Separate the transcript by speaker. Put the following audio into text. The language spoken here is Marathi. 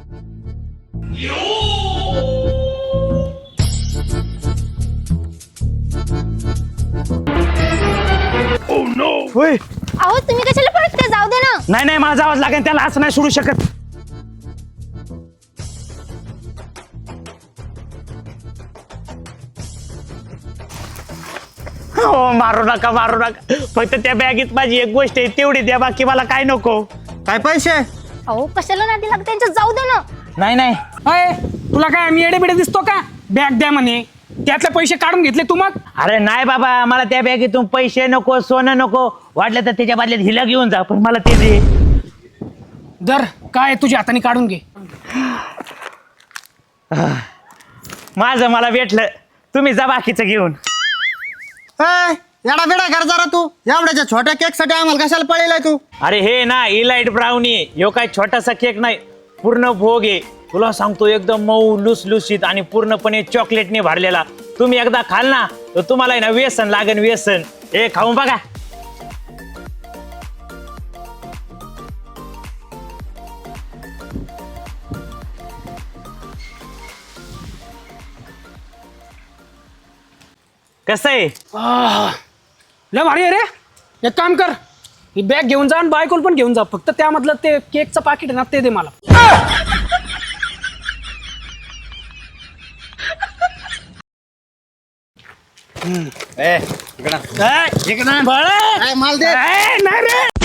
Speaker 1: होय
Speaker 2: अहो तुम्ही कशाला पळते, जाऊ दे ना.
Speaker 1: नाही नाही माझा आवाज लागेल त्याला, असं नाही सोडू शकत. हो मारू नका मारू नका, फक्त त्या बॅगेत माझी एक गोष्ट आहे तेवढी द्या, बाकी मला काय नको.
Speaker 3: काय पैसे?
Speaker 2: अहो कशाला नादी लागते त्यांच्या, जाऊ दे ना.
Speaker 1: नाही नाही
Speaker 4: अय तुला काय आम्ही येडे बिडे दिसतो का? बॅग द्या म्हणे, त्यातले पैसे काढून घेतले तू मग.
Speaker 1: अरे नाही बाबा, मला त्या बॅगेतून पैसे नको, सोनं नको, वाटलं तर त्याच्या बदल्यात हिला घेऊन जा, पण मला ते दे.
Speaker 4: दर काय तुझ्या हाताने काढून घे.
Speaker 1: माझं मला भेटलं, तुम्ही जा बाकीचं घेऊन.
Speaker 3: येडा बेडा कर जरा तू, एवढ्याच्या छोट्या केक साठी आम्हाला कशाला पळेलाय तू?
Speaker 1: अरे हे ना इलाइट ब्राउनी, ह्यो काय छोटासा केक नाही, पूर्ण भोग आहे. तुला सांगतो एकदम मऊ लुसलुसीत आणि पूर्णपणे चॉकलेटने भरलेला. तुम्ही एकदा खाल ना तर तुम्हाला आहे ना व्यसन लागेल, व्यसन. हे खाऊन बघा. कसं आहे?
Speaker 4: लय भारी आहे रे. एक काम कर, ही बॅग घेऊन जा आणि बायकोल पण घेऊन जा, फक्त त्यामधलं ते केकचं पाकिट आहे ना ते दे मला.
Speaker 3: इकडं
Speaker 4: बाळा.
Speaker 3: माल दे.
Speaker 4: नाही रे.